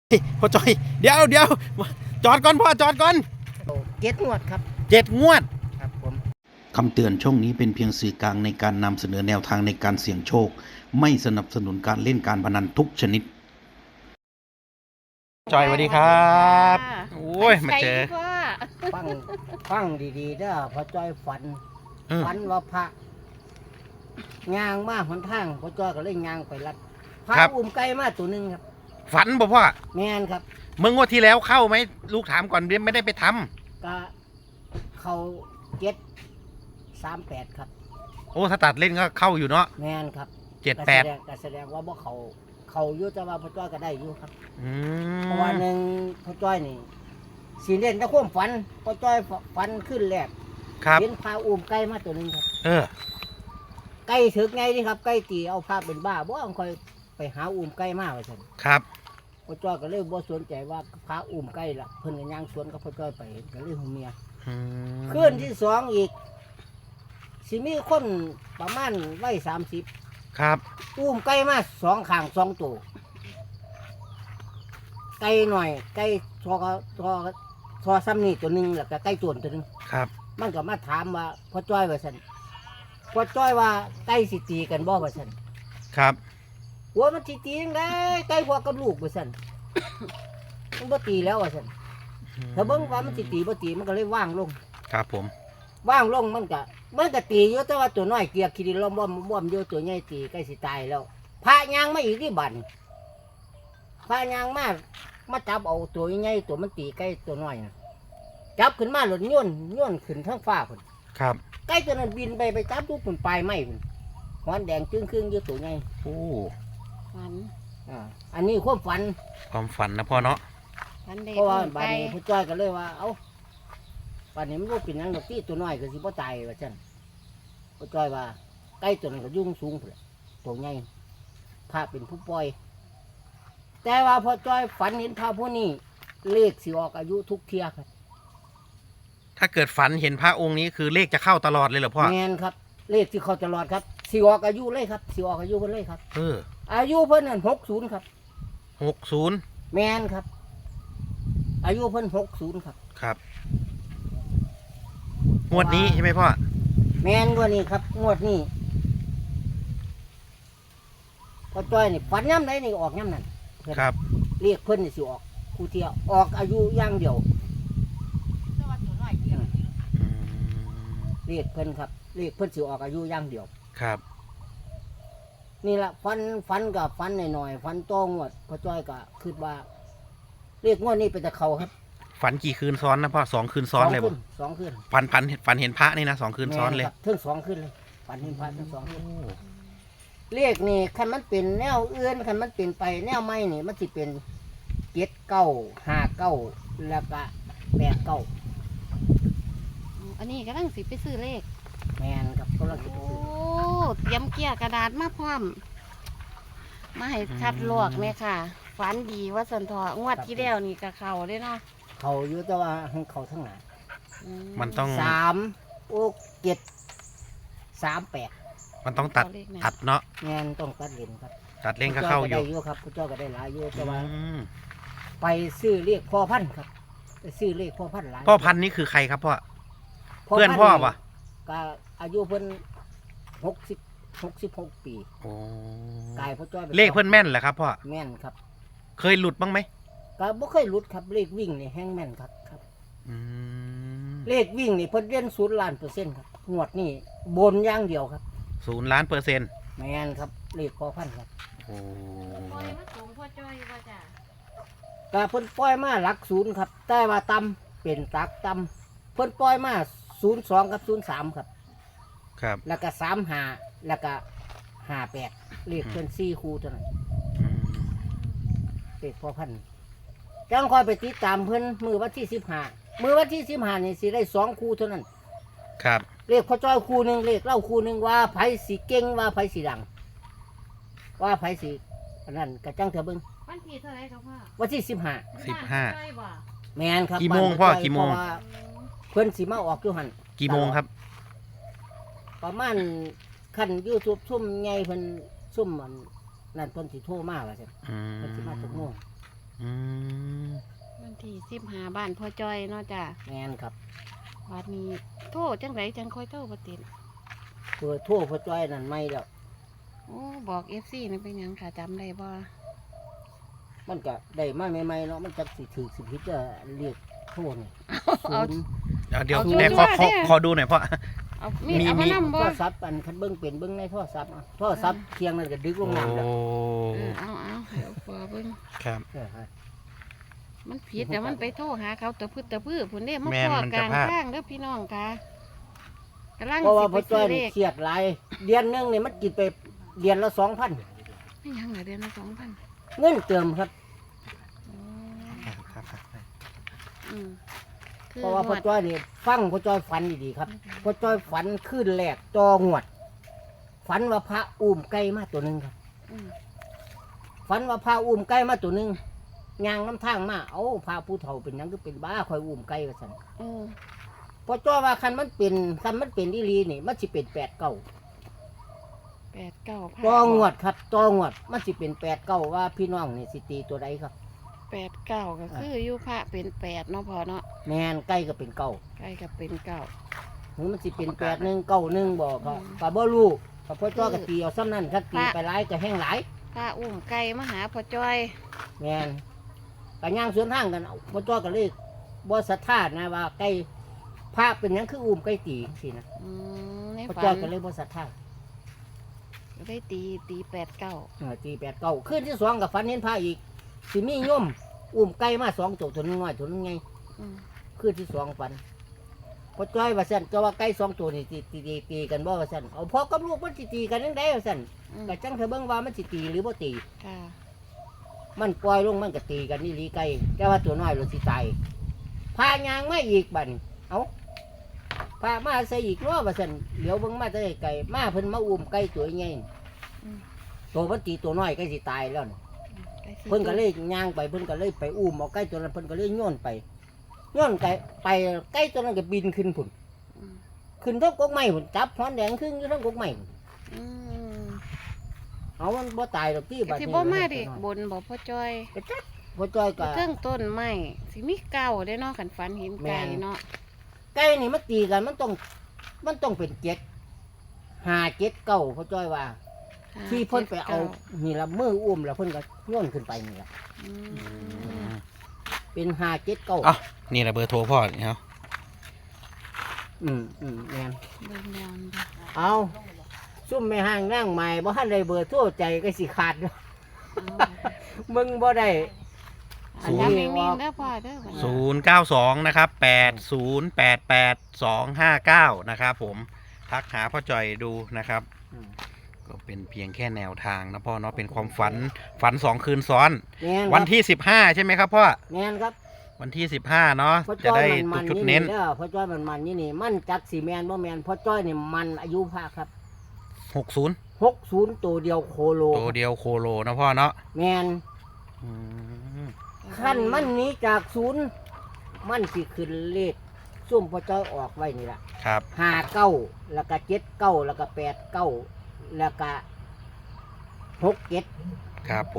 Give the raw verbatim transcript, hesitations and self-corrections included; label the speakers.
Speaker 1: พ่อจอยเดี๋ยวเดี๋ยวจอดก่อนพ่อจอดก่อน
Speaker 2: เจ็ดงวดครับ
Speaker 1: เจ็ดงวด
Speaker 2: ครับผม
Speaker 1: คำเตือนช่องนี้เป็นเพียงสื่อกลางในการนำเสนอแนวทางในการเสี่ยงโชคไม่สนับสนุนการเล่นการพนันทุกชนิดจอยสวัสดีครับโอ้ยมาเจอ
Speaker 2: ฟังฟังดีๆเด้อพอจอยฝันฝันว่าพระยางมาหนทางพอจอยก็เลยยางไปรัดพระอุ้มไก่มาตัวหนึ่งครับ
Speaker 1: ฝันบ่พ่อ
Speaker 2: แม่นครับ
Speaker 1: เมื่องวดที่แล้วเข้าไหมลูกถามก่อนไม่ได้ไปท
Speaker 2: ำก็เขาเจ็ดสามแปดครับ
Speaker 1: โอ้ถ้าตัดเล่นก็เข้าอยู่เนาะ
Speaker 2: แม่นครับ
Speaker 1: เจ็ดแปด
Speaker 2: ก็แสดงว่าบ่เขาเขาอยู่แต่ว่าพอจ้อยก็ได้อยู่ครับ
Speaker 1: เพ
Speaker 2: ราะว่าหนึ่งพอจ้อยนี่สีเล่นตะควมฝันพอจ้อยฝันขึ้นแรกเห็นพาอุ้มไก่มาตัวหนึ่งครับ
Speaker 1: เออ
Speaker 2: ไก่ถึกไงนี่ครับไก่ตีเอาพาเป็นบ้าบ่ต้องคอยไปหาอุ้มไก่มาไว้ซั่น
Speaker 1: ครับ
Speaker 2: พอจ้อยก็เลยบ่สนใจว่าพาอุ้มไก่ละเพิ่นก็ย่างสวนกับพอจ้อยไปก็เลยหูเมียคืนที่สองอีกสิมีคนประมาณไว้สามสิบ
Speaker 1: ครับ
Speaker 2: อุ้มไก่มาสองข้างสองตัวไก่หน่อยไก่ทอทอทอซ้ำนี่ตัวหนึ่งแล้วก็ไก่ตัวตัวหนึ่ง
Speaker 1: ครับ
Speaker 2: มันก็มาถามว่าพ่อจ้อยว่าสันพ่อจ้อยว่าไก่สิตีกันบ่ว่าสัน
Speaker 1: ครับ
Speaker 2: หัวมันสิตียังไงไก่พ่อกับลูกว่าสันมันบ่ตีแล้วว่าสันถ้าเบิ่งว่ามันสิตีบ่ตีมันก็เลยว่างลง
Speaker 1: ครับผม
Speaker 2: ว่างลงมันก็มันก็ตีอยู่แต่ว่าตัวน้อยเกียกขี้ดินล้อมบ่มบ่มอยู่ตัวใหญ่ตีใกล้สิตายแล้วพระยางมาอีกที่บันพระยางมามาจับเอาตัวใหญ่ตัวมันตีใกล้ตัวน้อยนะจับขึ้นมาหล่นย่นย่นขึ้นทั้งฟ้าคน
Speaker 1: ครับ
Speaker 2: ใกล้ตัวนั้นบินไปไปจับทุกคนปลายไม้คนหอนแดงจึ้งครึ่งอยู่ตัวใหญ่
Speaker 1: โอ้
Speaker 2: ฝันอ่าอันนี้ความฝัน
Speaker 1: ความฝันนะพ่อเนาะ
Speaker 2: เพราะว่าบานนี้ผู้จ้อยก็เลยว่าเอ้าป่านนี้มันรู้เป็นยังดอกที่ตัวน้อยก็สิบ่ตายว่าซั่นพ่อจ้อยว่าใกล้ตัวนั้นก็ยุ่งสูงพุ่นตัวใหญ่พระเป็นผู้ปล่อยแต่ว่าพ่อจ้อยฝันเห็นพระผู้นี้เลขสิออกอายุทุกเที่ยครับ
Speaker 1: ถ้าเกิดฝันเห็นพระองค์นี้คือเลขจะเข้าตลอดเลยเหรอพ่อ
Speaker 2: แม่นครับเลขที่เข้าตลอดครับสิออกอายุเลยครับสิออกอายุเพิ่นเลยครับ
Speaker 1: เออ
Speaker 2: อายุเพิ่นนั่นหกสิบครับ
Speaker 1: หกสิบ
Speaker 2: แม่นครับอายุเพิ่นหกสิบครับ
Speaker 1: ครับงวดนี้ใช่ไหมพ่อ
Speaker 2: แม่นงวดนี้ครับงวดนี้พอจ้อยนี่ฝันย่ำไหนนี่ออกย่ำนั่น
Speaker 1: ครับ
Speaker 2: เรียกเพิ่นนี่สิออกคู่เที่ยวออกอายุย่างเดียวเรียกเพิ่นครับเรียกเพิ่นสิออกอายุย่างเดียว
Speaker 1: ครับ
Speaker 2: นี่แหละฟันฟันกับฟันหน่อยๆฟันโตงวดพอจ้อยก็คิดว่าเรียกงวดนี้เป็นแต่เขาครับ
Speaker 1: ฝันกี่คืนซ้อนนะพ่อสองคืนซ้อนเลยบ่
Speaker 2: สองคืน
Speaker 1: ฝันฝันฝันเห็นพระนี่นะสองคืนซ้อนเลย
Speaker 2: ทั้งสองคืนเลยฝันเห็นพระทั้งสองคืนเรียกนี่คันมันเป็นแนวเอื้อนคันมันเป็นไปแนวไม้นี่มันสิเป็นเจ็ดเก้าห้าเก้าแล้วก็แปดเก้า
Speaker 3: อันนี้ก็ต้องสิไปซื้อเลข
Speaker 2: แมนครับก็เราสิไปซื้อ
Speaker 3: โอ้เตรียมเกียร์กระดาษมาพร้อมมาให้ชัดลวกเนี่ยค่ะฝันดีว่าสันทองวดที่แล้วนี่กับเขาได้เนาะ
Speaker 2: เขาอยู่แต่ว่าเขาทั้งหลาย
Speaker 1: มันต้อง
Speaker 2: สามโอ้เจ็ดสามแปด
Speaker 1: มันต้องตัดตัดเนาะ
Speaker 2: แมนต้องตัดเลนครับ
Speaker 1: ตัดเลนก็เข้าอยู่
Speaker 2: ครับผู้เจ้าก็ได้หลายอยู่แต่ว่าไปซื้อเรียกพ่อพันธุ์ครับไปซื้อเรียกพ่อพันธุ์หลาย
Speaker 1: พ่อพันธุ์นี่คือใครครับพ่อเพื่อนพ่อปะ
Speaker 2: ก็อายุเพิ่นหกสิบหกสิบหกปี
Speaker 1: โอ้
Speaker 2: กายพ่อจ้อย
Speaker 1: เลขเพื่อนแม่นเหรอครับพ่อ
Speaker 2: แม่นครับ
Speaker 1: เคยหลุดบ้างไหม
Speaker 2: ก็บ่เคยหลุดครับเลขวิ่งนี่แห้งแม่นครับครับเลขวิ่งนี่เพิ่นเล่นศูนย์ล้านเปอร์เซ็นต์ครับงวดนี่บนอย่างเดียวครับ
Speaker 1: ศูนย์ล้านเปอร์เซ็นต์
Speaker 2: แม่นครับเลขพ่อพันธุ์ครับ
Speaker 1: โอ้
Speaker 3: ปล่อยมาส่งพ่อจ้อยว่าจ้ะ
Speaker 2: ก็เพิ่นปล่อยมาหลักศูนย์ครับแต่ว่าต่ำเป็นตักต่ำเพิ่นปล่อยมาศูนย์สองกับศูนย์สามครับ
Speaker 1: ครับ
Speaker 2: แล้วก็สามห้าแล้วก็ห้าแปดเลขเพิ่นสี่คู่เท่านั้นเลขพ่อพันธุ์จังคอยไปติดตามเพิ่นมือวันที่สิบห้ามือวันที่สิบห้านี่สิได้สองคู่เท่านั้น
Speaker 1: ครับ
Speaker 2: เลขพ่อจ้อยคู่หนึ่งเลขเล่าคู่หนึ่งว่าไผสีเก่งว่าไผสีดังว่าไผสีอันนั้นกระจังเถอะเบิ้ง
Speaker 3: วันที่เท่าไรครับพ่อ
Speaker 2: วันที่สิบห้า
Speaker 1: สิบห้า
Speaker 2: แมนครับ
Speaker 1: กี่โมงพ่อกี่โมง
Speaker 2: เพิ่นสีมาออกอยู่หัน
Speaker 1: กี่โมงครับ
Speaker 2: ประมาณขั้นยูทูบซุ่มไงเพิ่นซุ่มมันนั่นเพิ่นสิโทรมาว่าใช่เพิ่นสิมาทุกโมง
Speaker 1: อืม
Speaker 3: วันที่สิบห้าบ้านพ่อจอยเนาะจ้ะ
Speaker 2: แม่นครับ
Speaker 3: วันนี้โทษจังไรจังค่อยโทษปติด
Speaker 2: เพื่อทั่วพ่อจ้อยนั่นไม่แล้ว
Speaker 3: โอ้บอกเอฟซีนี่เป็นหยังค่ะจำได้บ่
Speaker 2: มันก็ได้มาใหม่ๆเนาะมันจักสิถือสิผิดจะเรียกโทษนี่
Speaker 3: เอา
Speaker 2: ศูนย์
Speaker 1: เอาเดี๋ยว
Speaker 3: เอา
Speaker 1: แต่
Speaker 3: ชั
Speaker 1: ข
Speaker 3: ว
Speaker 1: อ
Speaker 3: ร์
Speaker 1: ขอ
Speaker 3: เนี่ย
Speaker 1: ขอดูหน่อยพ่อ
Speaker 3: เอามีด
Speaker 1: มี
Speaker 3: เอามา
Speaker 1: มี
Speaker 3: นำ
Speaker 2: โท
Speaker 3: บ่
Speaker 2: รศัพท์อันคันเบิ่งเป็นเบิ่งในโทรศัพท์อะโทรศัพท์เคียงนั่นก็ดึกลงน้ำแล้ว
Speaker 1: โอ้
Speaker 3: เออเอาเอาให้เอาปอเบิ่ง
Speaker 1: ครับ
Speaker 2: เออฮะ
Speaker 3: มันผิดแต่มันไปโทษหาเขาตะพื้ตะพื้พุ่นเด้มา
Speaker 1: แม่น
Speaker 3: พอ
Speaker 1: มัน
Speaker 3: ก
Speaker 1: จะ
Speaker 3: ลาง
Speaker 1: พลาด
Speaker 3: ข้างเด้อพี่น้องค่ะกำลัง
Speaker 2: เพราะว่า
Speaker 3: สิไป
Speaker 2: พ่อจ้
Speaker 3: ซื้
Speaker 2: อ
Speaker 3: อย เล
Speaker 2: นี่
Speaker 3: ข
Speaker 2: เครียดหลายเดือนหนึงนี่มันกินไปเดือนละสองพัน
Speaker 3: ไม่ยังเหรอเดือนละสองพัน
Speaker 2: เงินเติมครับ
Speaker 1: ครับครับครับ
Speaker 3: อืมคือ
Speaker 2: เพราะว่าพ่อจ้อยนี่ฟังพ่อจ้อยฝันดีๆครับพ่อจ้อยฝันขึ้นแรกจองวด ฝันว่าพระอุ้มไก่มาตัวหนึ่งครับ
Speaker 3: อืม
Speaker 2: ฝันว่าพระอุ้มไก่มาตัวหนึ่งยางน้ำทางมาเอาพระผู้เฒ่าเป็นหยังก็เป็นบ้าคอยอุ้มไก่ว่าสัน
Speaker 3: เออ
Speaker 2: พ่อจ้อยว่าคันมันเป็นคันมันเป็นอีหลีนี่มันสิเป็นแปดเก้า
Speaker 3: แปดเก้าพัน
Speaker 2: จองวดครับจองวดมันสิเป็นแปดเก้าว่าพี่น้องนี่สิตีตัวใดครับ
Speaker 3: แปดเก้าก็คืออยู่พระเป็นแปดเนาะพอเนาะ
Speaker 2: แมนไก่ก็เป็นเก้า
Speaker 3: ใกล้กับเป็นเก้า
Speaker 2: หรือมันสิเป็นแปดหนึ่งเก้าหนึ่งบอกก็
Speaker 3: อืม
Speaker 2: ก็บ่รู้ก็พ่อจ้อยก็ตีเอาซ้ำนั่นถ้าตี
Speaker 3: พระ
Speaker 2: ไปหลายก็แห้งหลาย
Speaker 3: พระอุ้มไก่มาหาพ่อจ้อย
Speaker 2: แมนก็ย่างสวนทางกันเอาพ่อจ้อยก็เลยบ่ศรัทธานะว่าไก่พระเป็นหยังคืออุ้มไก่ตีสินะ
Speaker 3: อืมใน
Speaker 2: พ่อ
Speaker 3: ฝั
Speaker 2: จ้อย
Speaker 3: น
Speaker 2: ก็เลยบ่ศรัทธา
Speaker 3: ก็ได้ตีตีแปดเก้า
Speaker 2: เออตีแปดเก้าขึ้นที่สองกับฝันเห็นพระอีกสิมีโยมอุ้มไก่มาสองตัวตัวหนึงน้อยตัวหนึงไง
Speaker 3: อืม
Speaker 2: ขึ้นที่สองฝันพ่อจ้อยว่าซั่นเจ้าว่าไก่สองตัวนี่ตีตีตีตีกันบ่ว่าซั่นเอาพ่อกับลูกมันสิตีกันจังไดว่าซั่น
Speaker 3: อืม
Speaker 2: ก็จังเธอเบิ่งว่ามันสิตีหรือบ่ตี
Speaker 3: ค่ะ
Speaker 2: มันปล่อยลงมันก็ตีกันนี่ลีไก่แต่ว่าตัวน้อยรถสิตายพายางมาอีกบัดนี้เอ้าพามาใส่อีกเนาะว่าซั่นเหลียวเบิ่งมาแต่ไกลมาเพิ่นมาอุ้มไก่ตัวใหญ่
Speaker 3: อืม
Speaker 2: ตัวมันตีตัวน้อยก็สิตายแล้วนี่
Speaker 3: ไก่สิ
Speaker 2: เพิ่นก็เลยย่างไปเพิ่นก็เลยไปอุ้มเอาไก่ตัวนั้นเพิ่นก็เลยโยนไปโยนไก่ไปไก่ตัวนั้นก็บินขึ้นพุ่น
Speaker 3: อืม
Speaker 2: ขึ้นทั้งกกไม้พุ่นจับหอนแดงครึ่งอยู่ทั้งกกไม้พุ่น
Speaker 3: อืม
Speaker 2: เอามันบ่ตายดอกที่
Speaker 3: ก็
Speaker 2: บัด
Speaker 3: สิ
Speaker 2: นี้
Speaker 3: บ่มาเด็กบนบอกพ่อจ้อย
Speaker 2: ก็จักพ่อจ้อยก็
Speaker 3: เครื่องต้นไม้สิมีเก่าได้เนาะขันฝันเห็นไก่
Speaker 2: แม่น
Speaker 3: เนาะ
Speaker 2: ไก่นี่มันตีกันมันต้องมันต้องเป็นเจ็ดห้าเจ็ดเก้าพ่อจ้อยว่า
Speaker 3: ห้า
Speaker 2: ที่เพิ่นไปเอา
Speaker 3: จ็ดก้
Speaker 2: นี่ละมืออุ้มแล้วเพิ่นก็โย่นขึ้นไปนี่ละ
Speaker 3: อืม
Speaker 2: เป็นห้าเจ็ดเก้า
Speaker 1: อ๋อนี่แหละเบอร์โทรพ่อนี่ครับ
Speaker 2: อืมอืมแม่น
Speaker 3: เบิ่งแล้วนี่
Speaker 2: เอาซุ่มไม่ห่างนั่งใหม่บ่ทันได้เบอร์โทรใจก็สิขาดเนาะ
Speaker 3: เอา
Speaker 2: มึงบ่ได้
Speaker 3: อันนี้นิ่งๆเด้อพ่อเด้อบัดนี้
Speaker 1: ศูนย์เก้าสองนะครับแปดศูนย์แปดแปดสองห้าเก้านะครับผมทักหาพ่อจอยดูนะครับ
Speaker 2: อืม
Speaker 1: ก็เป็นเพียงแค่แนวทางนะพ่อเนาะเป็นความฝันฝันสองคืนซ้อน
Speaker 2: แม่น
Speaker 1: วันที่สิบห้าใช่ไหมครับพ่อ
Speaker 2: แม่นครับ
Speaker 1: วันที่สิบห้าเนาะ
Speaker 2: พ่อ
Speaker 1: จะ
Speaker 2: จ้อย
Speaker 1: ได้
Speaker 2: มันมัน
Speaker 1: จุด
Speaker 2: นี่
Speaker 1: เน้น
Speaker 2: เด้อพ่อจ้อยมันมันนี่นี่มันจักสิแม่นบ่แม่นพ่อจ้อยนี่มันอายุพระครับ
Speaker 1: หกศูนย์
Speaker 2: หกสิบตัวเดียวโคโล
Speaker 1: ตัวเดียวโคโลนะพ่อเนาะ
Speaker 2: แม่น
Speaker 1: อืม
Speaker 2: ขั้นมันหนี้จากศูนย์มันสิขึ้นเลขซุ่มพ่อจ้อยออกไว้นี่ล่ะ
Speaker 1: ครับ
Speaker 2: ห้าเก้าแล้วก็เจ็ดเก้าแล้วก็แปดเก้าแล้วก็หกเจ็ด
Speaker 1: ครับ